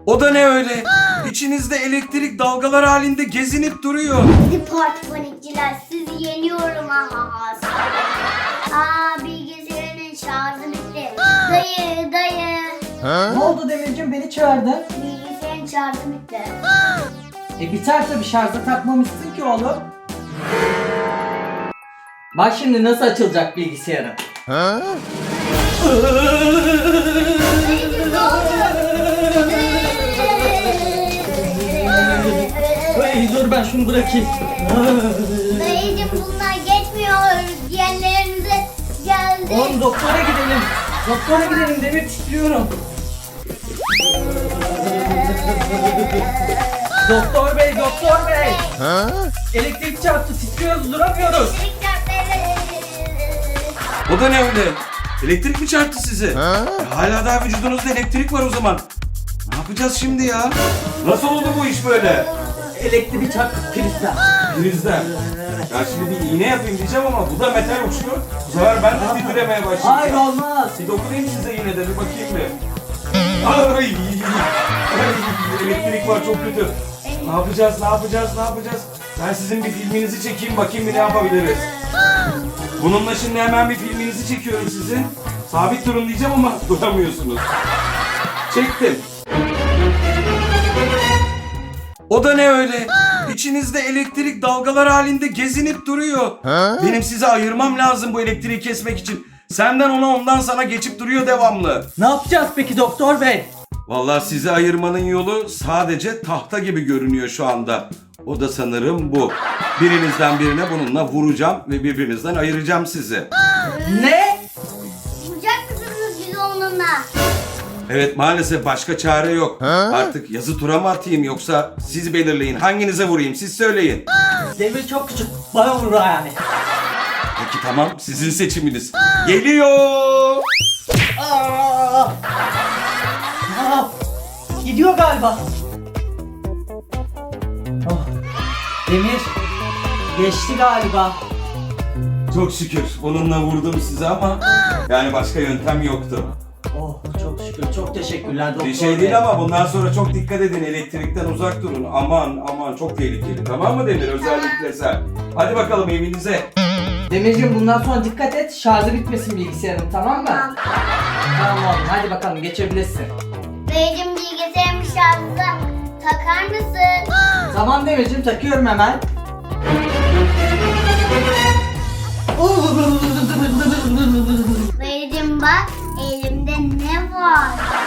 O da ne öyle? İçinizde elektrik dalgalar halinde gezinip duruyor. Hadi parti panikçiler, sizi yeniyorum aha. Bilgisayarın şarjı bitti. Dayı. Ne oldu Demircim, beni çağırdın? Bilgisayarın şarjı bitti. Biter tabii, şarja takmamışsın ki oğlum. Bak şimdi nasıl açılacak bilgisayarın. Hey, dur ben şunu bırakayım. Dayıcım bunlar geçmiyor. Diğerlerimize geldi. Oğlum doktora gidelim. Doktora gidelim, Demir titriyorum. Doktor bey. Elektrik çarptı, titriyoruz, duramıyoruz. O da ne öyle? Elektrik mi çarptı sizi? Hala daha vücudunuzda elektrik var o zaman. Ne yapacağız şimdi ya? Nasıl oldu bu iş böyle? Elektrik çarptı, prizden. Prizden. Ya şimdi bir iğne yapayım diyeceğim ama bu da metal uçlu. Bu sefer ben de titremeye başlayacağım. Hayır, olmaz. Bir dokunayım size yine de bir bakayım bir. Ay, elektrik var çok kötü. Ne yapacağız? Ben sizin bir filminizi çekeyim bakayım bir ne yapabiliriz. Bununla şimdi hemen bir filminizi çekiyorum sizin. Sabit durun diyeceğim ama duramıyorsunuz. Çektim. O da ne öyle? İçinizde elektrik dalgalar halinde gezinip duruyor. Benim size ayırmam lazım bu elektriği kesmek için. Senden ona, ondan sana geçip duruyor devamlı. Ne yapacağız peki doktor bey? Vallahi sizi ayırmanın yolu sadece tahta gibi görünüyor şu anda. O da sanırım bu. Birinizden birine bununla vuracağım ve birbirinizden ayıracağım sizi. Ne? Vuracak mısınız bizi onunla? Evet, maalesef başka çare yok. Artık yazı tura mı atayım yoksa siz belirleyin. Hanginize vurayım siz söyleyin. Demir çok küçük, bana vurur yani. Peki tamam, sizin seçiminiz. Geliyor. Aa! Gidiyor galiba. Oh. Demir geçti galiba. Çok şükür bununla vurdum size ama yani başka yöntem yoktu. Oh, çok şükür, çok teşekkürler doktor Bir şey bey. değil ama bundan sonra çok dikkat edin, elektrikten uzak durun. Aman çok tehlikeli, tamam mı Demir, özellikle sen. Hadi bakalım evinize. Demirciğim bundan sonra dikkat et, şarjı bitmesin bilgisayarın, tamam mı? Tamam. Tamam oğlum, hadi bakalım geçebilirsin. Dayıcım bilgisayarın şarjı takar mısın? Tamam Demirciğim, takıyorum hemen. Dayıcım bak elimde ne var?